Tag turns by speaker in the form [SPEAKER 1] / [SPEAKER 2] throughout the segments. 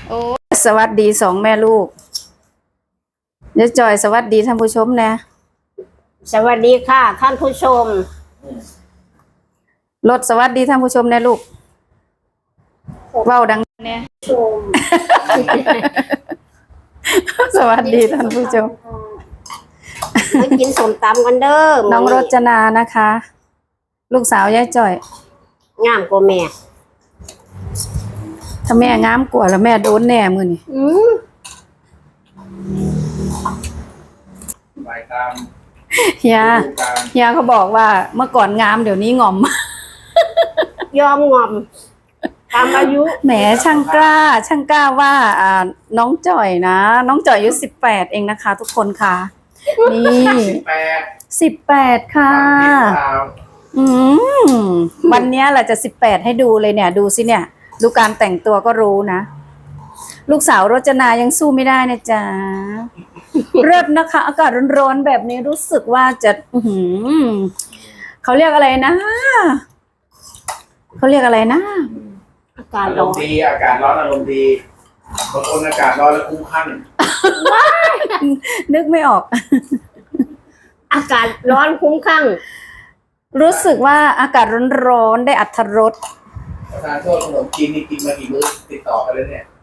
[SPEAKER 1] โอ้สวัสดีสองแม่ลูกเดี๋ยวจอยสวัสดีท่านผู้ชมนะ
[SPEAKER 2] สวัสดีค่ะท่านผู้ชม
[SPEAKER 1] รถสวัสดีท่านผู้ชมนะลูกเว้าดังเนี่ย
[SPEAKER 2] ชม
[SPEAKER 1] สวัสดีท่านผู้ชม
[SPEAKER 2] มากินสมตำกันเด้อ
[SPEAKER 1] น้องรจนานะคะ ลูกสาวยายจอย
[SPEAKER 2] งามกว่าแม่
[SPEAKER 1] ถ้าแม่งามกว่าแล้วแม่โดนแน่มือนี่เฮียเขาบอกว่าเมื่อก่อนงามเดี๋ยวนี้งอม
[SPEAKER 2] ยอมงอมตามอายุ
[SPEAKER 1] แหมช่างกล้าว่าน้องจ่อยนะน้องจ่อยอายุ18เองนะคะ ทุกคนค่ะนี่18ค่ะวันนี้แหละจะ18ให้ดูเลยเนี่ยดูสิเนี่ยดูการแต่งตัวก็รู้นะลูกสาวรจนายังสู้ไม่ได้นะจ๊ะเริ่มนะคะอากาศร้อนๆแบบนี้รู้สึกว่าจะเขาเรียกอะไรนะเขาเรียกอะไรนะ
[SPEAKER 2] อากาศร้อน
[SPEAKER 3] ดีอากาศร้อนอารมณ์ดีบางคนอากาศร้อนแล้วคุ้มคั่ง
[SPEAKER 1] นึกไม่ออก
[SPEAKER 2] อากาศร้อนคุ้มคั่ง
[SPEAKER 1] รู้สึกว่าอากาศร้อนๆได้อรรถรส
[SPEAKER 3] ประธานโทษขนมจีนนี่กินมากี่มื้อติดต่อกันเลยเนี่ย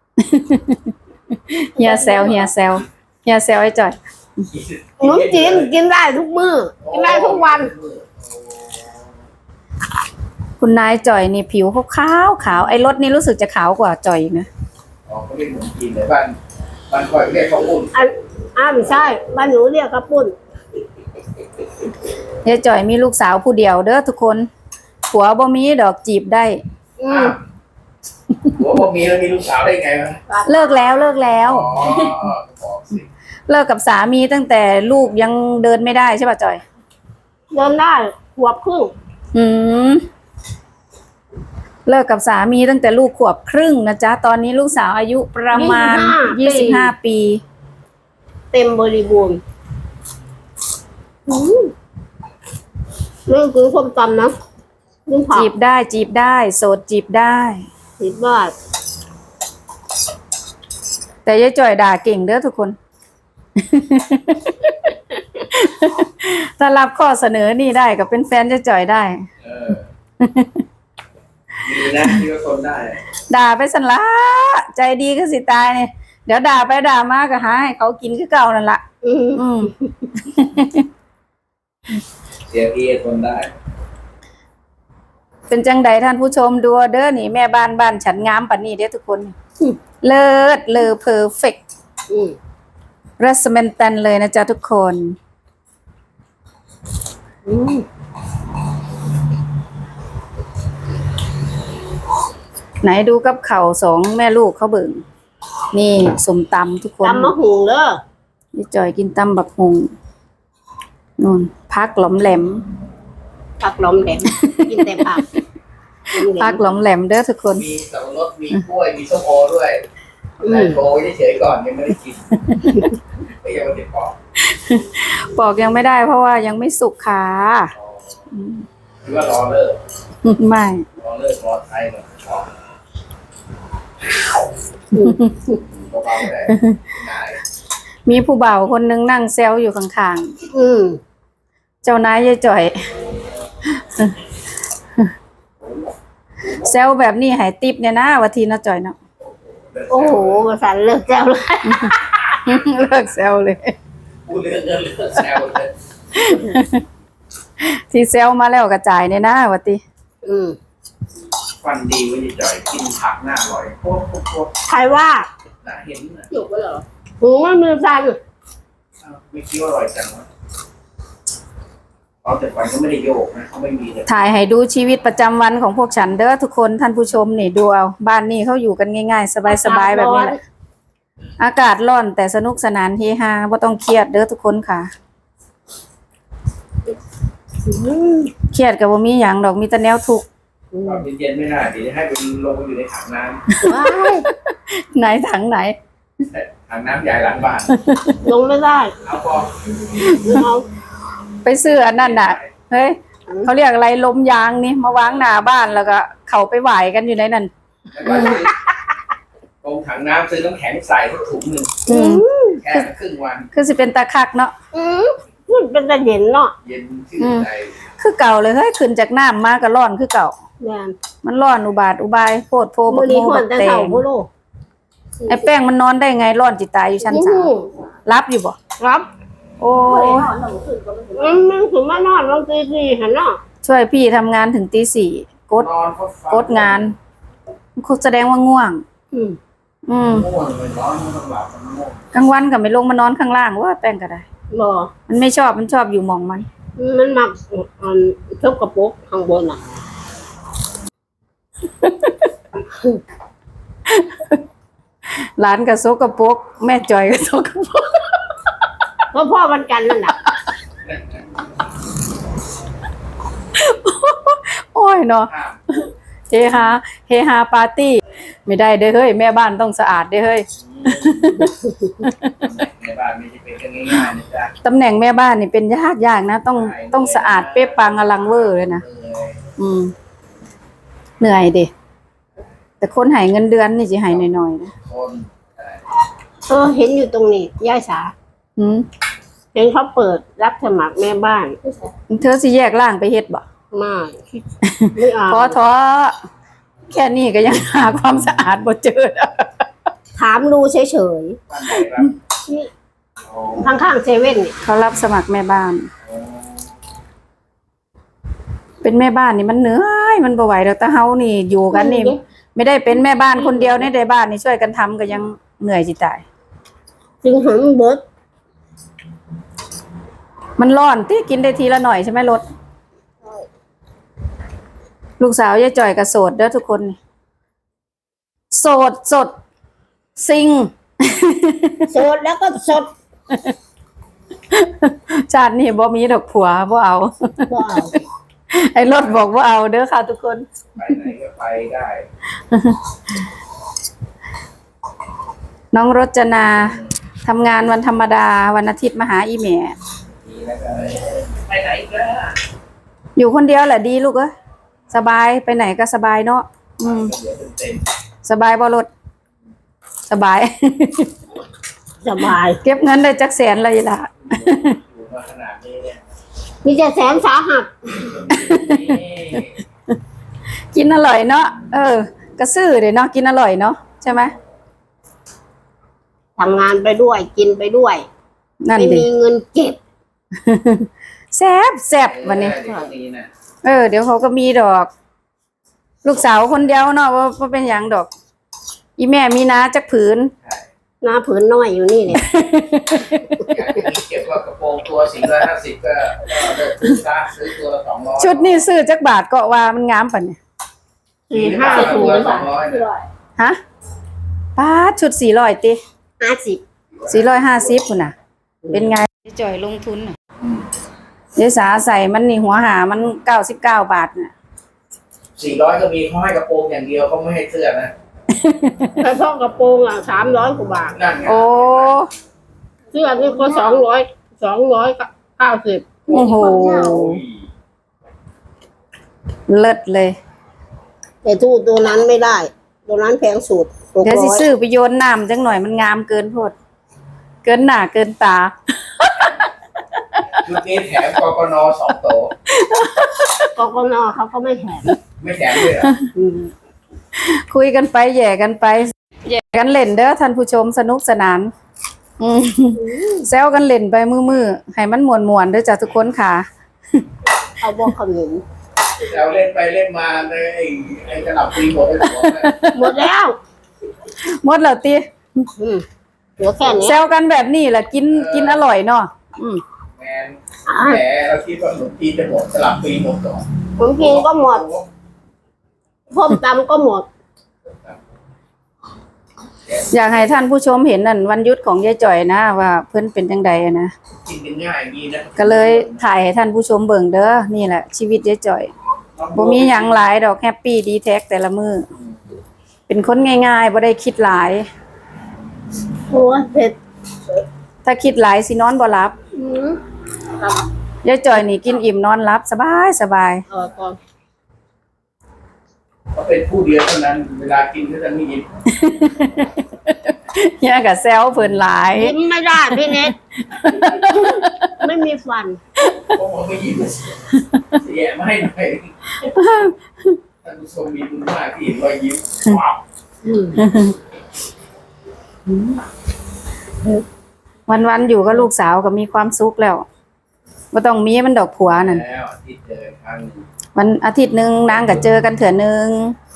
[SPEAKER 1] เฮียแซวไอ้จ่อย
[SPEAKER 2] ขนมจีนกินได้ทุกมื้อกินได้ทุกวัน
[SPEAKER 1] คุณนายจ่อยนี่ผิวเขาขาวไอ้รถนี่รู้สึกจะขาวกว่าจ่อยนะ
[SPEAKER 3] อ๋อเขาเรียกขนมจีนเลยบ้านก่อยเรียกข้าวปุ้น
[SPEAKER 2] ไม่ใช่บ้านหนูเรียกข้าวปุ้น
[SPEAKER 1] ยายจ่อยมีลูกสาวผู้เดียวเด้อทุกคนผัวบ่มีดอกจีบได้
[SPEAKER 3] ผัวบ่มีแล้วมีลูกสาวได้ไงวะ
[SPEAKER 1] เลิกแล้วเลิกกับสามีตั้งแต่ลูกยังเดินไม่ได้ใช่ป่ะจ่อย
[SPEAKER 2] เดินได้ขวบครึ่ง
[SPEAKER 1] เลิกกับสามีตั้งแต่ลูกขวบครึ่งนะจ๊ะตอนนี้ลูกสาวอายุประมาณ25 ปี
[SPEAKER 2] เต็มบริบูรณ์เรื่องคือส้มตำนะ
[SPEAKER 1] จีบได้โสดจีบได้
[SPEAKER 2] บ้า
[SPEAKER 1] แต่ยายจ่อยด่าเก่งเด้อทุกคนถ้ารับข้อเสนอนี่ได้ก็เป็นแฟนยายจ่อยได้
[SPEAKER 3] ดีนะที่ก็ทนได้
[SPEAKER 1] ด่าไปสันละใจดีก็สิตายเนี่ยเดี๋ยวด่าไปด่ามาก็หาให้เขากินคือเก่านั่นละ
[SPEAKER 3] เสียพี่ทนได้
[SPEAKER 1] เป็นจังใดท่านผู้ชมดูเด้อนี่แม่บ้านฉันงามปานนี้เด้อทุกคนเลิศเลอเพอร์เฟกต์รัสเมนตันเลยนะจ๊ะทุกคนไหนดูกับเข่าสองแม่ลูกเขาเบิ่งนี่สมตำทุกคน
[SPEAKER 2] ตำมะหุงเด้อ
[SPEAKER 1] นี่จอยกินตำบักฮุงนู่นพักหลอมแหลม
[SPEAKER 2] กินแต่ผัก
[SPEAKER 1] พักหลอมแหลมเด้อทุกคน
[SPEAKER 3] มีสับปะรดมีกล้วยมีส้มโอด้วยแต่โอเฉยๆก่อนยังไม่ได้กินไม่ยังไม่ได้
[SPEAKER 1] ปอกยังไม่ได้เพราะว่ายังไม่สุกค่ะ
[SPEAKER 3] หรือว่ารอเลิก
[SPEAKER 1] ไม่
[SPEAKER 3] รอเลิกรอไทยหน่อย
[SPEAKER 1] มีผู้บ่าวคนนึงนั่งแซวอยู่ข้างๆเจ้านายยายจ่อยแซวแบบนี้หายติบเนี่ยนะวัทีน่าจ่อยเนาะ
[SPEAKER 2] โอ้โหมาสั่นเลิกแซวเลย
[SPEAKER 1] เลิกแซวเลย
[SPEAKER 3] พูดเรื่องเงินเลิกแซวเลย
[SPEAKER 1] ที่แซวมาแล้วกระจายเนี่ยนะวัที
[SPEAKER 3] ฟันดีวันนี้จ่อยกินผักหน้าอร่อยโคตร
[SPEAKER 2] ใครว่า
[SPEAKER 3] น่าเห็นนะ
[SPEAKER 2] หยุดไปเหรอหูมันมือสั่น
[SPEAKER 3] ไม่คิดว่าอร่อยจังวะแต่ฟันก็ไม่ได้โยกนะเขาไม่มีเลย
[SPEAKER 1] ถ่ายให้ดูชีวิตประจำวันของพวกฉันเด้อทุกคนท่านผู้ชมนี่ดูเอาบ้านนี้เขาอยู่กันง่ายๆสบายๆแบบนี้แหละอากาศร้อนแต่สนุกสนานเฮฮาไม่ต้องเครียดเด้อทุกคนค่ะเครียดกับว่ามีอย่างดอกมีแต่แนวทุกข์
[SPEAKER 3] เย็นๆไม่ได้เดี๋ยวให้ไปลงไปอยู่ในถังน้
[SPEAKER 1] ำไหนถังไหน
[SPEAKER 3] ถังน้ำใหญ่หลังบ้าน
[SPEAKER 2] ลงไม่ได้
[SPEAKER 3] เอาพอ
[SPEAKER 1] ไปซื้ออันนั้นน่ะเฮ้ยเขาเรียกอะไรลมยางนี่มาวางหน้าบ้านแล้วก็เขาไปไหวกันอยู่ในนั้น
[SPEAKER 3] ตรงถังน้ำซื้อน้ำแข็งใส่สักถุงหนึ่ง
[SPEAKER 1] อืม
[SPEAKER 3] แค่ครึ่งวัน
[SPEAKER 1] คือสิเป็นตาคักเนาะ
[SPEAKER 2] มันเป็นตะเย็นเนาะ
[SPEAKER 3] เย็นชื่นใจ
[SPEAKER 1] คือเก่าเลยเฮ้ยขึ้นจากน้ำมาก็ร้อนคือเก่า
[SPEAKER 2] แม่น
[SPEAKER 1] มันร้อนอุบาทอุบายโพดโพบั
[SPEAKER 2] มื้
[SPEAKER 1] ก
[SPEAKER 2] อนี้
[SPEAKER 1] โม
[SPEAKER 2] ฮ้อ
[SPEAKER 1] บั
[SPEAKER 2] น
[SPEAKER 1] ก
[SPEAKER 2] แต่
[SPEAKER 1] แต
[SPEAKER 2] เช้าง พุ่นโล
[SPEAKER 1] ไอ้แป้งมันนอนได้ไงร้อนจิตายอยู่ชั้นสามรับอยู่บ่
[SPEAKER 2] ครับ
[SPEAKER 1] โอ้
[SPEAKER 2] มันถึงมานอนบางทีสิหั่นเนาะ
[SPEAKER 1] ช่วยพี่ทำงานถึงตี 4กด
[SPEAKER 3] นอนก็ฟั
[SPEAKER 1] กดงานคุณแสดงว่าง่วง
[SPEAKER 2] อืม
[SPEAKER 1] อืม
[SPEAKER 3] ง่วงเลยนอนไม่ต้องหลับมันง่วง
[SPEAKER 1] กลางวันก็ไม่ลงมานอนข้างล่างว่าแป้งก็ได้
[SPEAKER 2] บ่
[SPEAKER 1] มันไม่ชอบมันชอบอยู่หมองมัน
[SPEAKER 2] มันมักชอบกระปุกข้างบนน่ะ
[SPEAKER 1] หลานกับโซกระปรกแม่จอยกับโซกระปรก
[SPEAKER 2] เพราะพ่อมันกันนั่นน่ะ
[SPEAKER 1] โอ้ยเนาะ
[SPEAKER 3] ห้าม
[SPEAKER 1] เฮฮาเฮฮาปาร์ตี้ไม่ได้เด้อเฮ้ยแม่บ้านต้องสะอาดเด้อเฮ้ย
[SPEAKER 3] ในบ้านไม่ใช่เป็นกันง่ายๆนะจ๊ะ
[SPEAKER 1] ตำแหน่งแม่บ้านนี่เป็นยากนะต้องสะอาดเป๊ะปังอลังเวอร์เลยนะอืมเหนื่อยดิแต่คนใหายเงินเดือนนี่จะหายหน่อยๆนะ
[SPEAKER 3] คน
[SPEAKER 2] เห็นอยู่ตรงนี้ย่าสา
[SPEAKER 1] อืม
[SPEAKER 2] เห็นเขาเปิดรับสมัครแม่บ้าน
[SPEAKER 1] เธอสิแยกร่างไปเฮ็ดบ่
[SPEAKER 2] ไม่เอา
[SPEAKER 1] พอท้อแค่นี้ก็ยังหาความสะอาดบ่เจอ
[SPEAKER 2] ถามดูเฉย
[SPEAKER 3] บ้านไหนครับ
[SPEAKER 2] ๆนี่
[SPEAKER 3] โอ้
[SPEAKER 2] ข้างๆเซเว่นนี่
[SPEAKER 1] เขารับสมัครแม่บ้าน
[SPEAKER 3] โอ้
[SPEAKER 1] เป็นแม่บ้านนี่มันเหนื่อยมันบ่ไหวแล้วแต่เฮานี่อยู่กันนี่ ไม่ได้เป็นแม่บ้านคนเดียวในบ้านนี่ช่วยกันทำก็ยังเหนื่อยจิตาย
[SPEAKER 2] จึงหันเบิด
[SPEAKER 1] มันร้อนที่กินได้ทีละหน่อยใช่ไหมรถลูกสาวยายจ่อยกับโสดเด้อทุกคนนี่โสดสดซิง
[SPEAKER 2] สดแล้วก็สด
[SPEAKER 1] ชาตินี่บ่มีดอกผัวบ่เอา
[SPEAKER 2] บ่เอา
[SPEAKER 1] ไอ้รถบอกว่าเอาเด้อค่ะทุกคน
[SPEAKER 3] ไปไหนก็ไปได้
[SPEAKER 1] น้องรจนาทำงานวันธรรมดาวันอาทิตย์มาหาอีแม่
[SPEAKER 3] ดีแล้วก็ไปไหนก็ได้
[SPEAKER 1] อยู่คนเดียวแหละดีลูกเอ้ยสบายไปไหนก็สบายเนาะอืม
[SPEAKER 3] เดี๋ยวเต็ม
[SPEAKER 1] สบายบ่รถสบาย
[SPEAKER 2] สบาย
[SPEAKER 1] เก็บเงินได้จักแสนเลยล่ะ
[SPEAKER 3] ๆอยู่มาขนาดนี้เนี่ย
[SPEAKER 2] มีแต่แสนสาหัส
[SPEAKER 3] นี่
[SPEAKER 1] กินอร่อยเนาะกระซื้อเดี๋ยวเนาะกินอร่อยเนาะใช่ไหม
[SPEAKER 2] ทำงานไปด้วยกินไปด้วย
[SPEAKER 1] นั่น
[SPEAKER 2] ไม่
[SPEAKER 1] ดิ
[SPEAKER 2] มีเงินเก็บ
[SPEAKER 1] แซ่บแซ่บวันนี้
[SPEAKER 3] เดี๋ยวนี้นะ
[SPEAKER 1] เดี๋ยวเขาก็มีดอก ลูกสาวคนเดียวเนาะว่าเป็นอย่างดอก อีแม่มีนาจักผืน
[SPEAKER 3] ใช่
[SPEAKER 2] หน้าผืนน้อยอยู่นี่เนี่ย
[SPEAKER 3] อยากจะมีเก็บว่ากระโปรงตัว450ก็เลิกซื้อซะซื้อตัวละ200
[SPEAKER 1] ชุดนี้ซื้อจักบาทก็ว่ามันงามปะเนี่ย
[SPEAKER 2] 4-5 ถุง
[SPEAKER 3] ตัวละ200เนี่ย
[SPEAKER 1] ฮะป้าดชุด400ติ
[SPEAKER 2] 50
[SPEAKER 1] 450คุณน่ะ เป็นไงจ่อยลงทุนน่ะเดี๋ยวสาใส่มันนี่หัวหามัน99 บาทน่ะ
[SPEAKER 3] 400ก็มีเขาให้กระโปรงอย่างเดียวเขาไม่ให้เสื้อนะ
[SPEAKER 2] ถ้าท่อกระโปรง300 กว่าบาท
[SPEAKER 3] นั่นไง
[SPEAKER 1] โอ้
[SPEAKER 2] เสื้อนี่ก็290
[SPEAKER 1] โอ้โหเลิศเลย
[SPEAKER 2] แต่ตู้ตัวนั้นไม่ได้ ตัวนั้นแพงสุด
[SPEAKER 1] เดี๋ยวสิ
[SPEAKER 2] 600
[SPEAKER 1] ซื้อไปโยนน้ำจังหน่อยมันงามเกินโพดเกินหน้าเกินตา
[SPEAKER 3] ชุดนี้แถมกกน2 โต๊ะ
[SPEAKER 2] กกนเขาก็ไม่แถม
[SPEAKER 3] ไม่แถมเลยเหรอ
[SPEAKER 1] คุยกันไปแย่กันไปแย่กันเล่นเด้อท่านผู้ชมสนุกสนานอืมแซวกันเล่นไปมือๆให้มันมวนๆเด้อจ้ะทุกคนค่ะ
[SPEAKER 2] เอาบอกขนม
[SPEAKER 3] เราเล่นไปเล่นมาในไอ้กระดับปีหมดไปหัวเลย
[SPEAKER 2] หมดแล้ว
[SPEAKER 1] หมดแล้วติ
[SPEAKER 2] เหลือแค่นี้
[SPEAKER 1] แซวกันแบบนี้แหละกินอร่อยเนาะอืม
[SPEAKER 3] แมนแหมเราคิดว่าขนมจีนจะหมดกระดับปีหมดก่อน
[SPEAKER 2] ผมกินก็หมดพ่มตำก็หมด
[SPEAKER 1] อยากให้ท่านผู้ชมเห็นนั่นวันหยุดของยายจ่อยนะว่าเพิ่นเป็นจังใดอะนะ
[SPEAKER 3] กินกันง่ายอย่างนี้นะ
[SPEAKER 1] ก็เลยถ่ายให้ท่านผู้ชมเบิ่งเด้อนี่แหละชีวิตยายจ่อยบ่มีหยังหลายดอกแฮปปี้ดีแท็กแต่ละมื้อเป็นคนง่ายๆบ่ได้คิดหลาย
[SPEAKER 2] โอ้ยเผ็ด
[SPEAKER 1] ถ้าคิดหลายสินอนบ่หลับ
[SPEAKER 2] อืม
[SPEAKER 1] ยายจ่อยนี่กินอิ่มนอนหลับสบายสบาย
[SPEAKER 2] ก่อน
[SPEAKER 3] เขาเป็นผู้เดียวเท่านั้น เวลากินก็จะไม่ยิน
[SPEAKER 1] เฮียกับแซวเพิ่นหลาย
[SPEAKER 2] ยิ้มไม่ได้พี่เน็ต ไม่มีฟัน
[SPEAKER 3] ผมบอกไม่ยิ้มเสียไม่หน่อยท่านผู้ชมมีบุญมากที่เห็นรอยยิ้มว้าว
[SPEAKER 1] วันๆอยู่กับลูกสาวก็มีความสุขแล้วบ่ต้องมีมันดอกผัวนั่น
[SPEAKER 3] แล้วที่เจอครั้งหนึ่ง
[SPEAKER 1] วันอาทิตย์หนึงนางก็เจอกันเถื่อนึง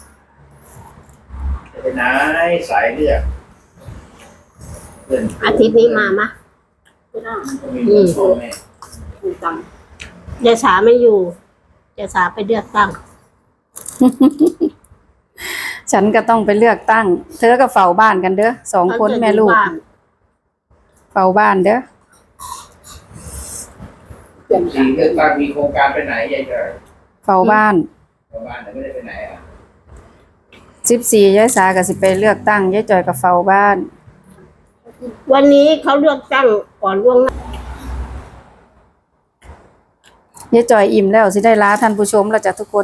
[SPEAKER 3] จะไปไหนสายเลือดเพื่อน
[SPEAKER 2] อาทิตย์นี้มามะ
[SPEAKER 3] ก็มีเพื่อนพ่อแม่
[SPEAKER 2] ยายสาไม่อยู่ยายสาไปเลือกตั้ง
[SPEAKER 1] ฉันก็ต้องไปเลือกตั้ง เธอก็เฝ้าบ้านกันเด้อสองคนแม่ลูก เฝ้าบ้านเด้อ
[SPEAKER 3] สีเลือกตั้งมีโครงการไปไหนยายเจอ
[SPEAKER 1] เฝ้าบ้าน
[SPEAKER 3] ชาวบ้านไหนไม่ได้ไปไหนอ่ะ
[SPEAKER 1] 14ยายสาก็สิไปเลือกตั้งยายจอยก็เฝ้าบ้าน
[SPEAKER 2] วันนี้เขาเลือกตั้งก่อนล่วงหน้าย
[SPEAKER 1] ายจอยอิ่มแล้วสิได้ลาท่านผู้ชมแล้วจ้ะทุกคน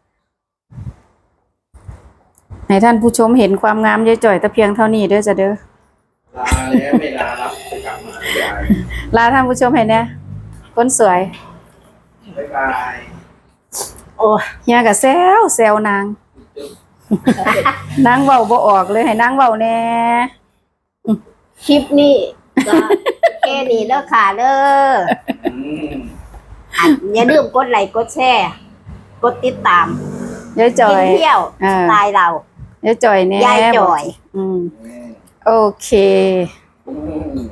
[SPEAKER 1] ให้ท่านผู้ชมเห็นความงามยายจอยแต่เพียงเท่านี้เด้อจ้ะเด้อ
[SPEAKER 3] ลาแล้วไม่ลารับจะกลับมาไม่ได้
[SPEAKER 1] ลาท่านผู้ชมให้แน่คนสวย
[SPEAKER 3] บ๊ายบาย
[SPEAKER 2] โอ้ย
[SPEAKER 1] เฮียก็แซวนาง นางเว้าบ่ออกเลยให้นางเว้าแน่
[SPEAKER 2] คลิปนี้ก็แค่นี้เด้อค่ะเด้อ
[SPEAKER 3] อืม
[SPEAKER 2] อย่าลืมกดไลค์กดแชร์กดติดตาม
[SPEAKER 1] ยายจอ
[SPEAKER 2] กิ
[SPEAKER 1] ย
[SPEAKER 2] นเที่ยว
[SPEAKER 1] อ่า
[SPEAKER 2] สไตล์เรา
[SPEAKER 1] ยายจอยแน่
[SPEAKER 2] ยายจอย
[SPEAKER 1] อืม
[SPEAKER 3] อืม
[SPEAKER 1] โอเค
[SPEAKER 3] อืม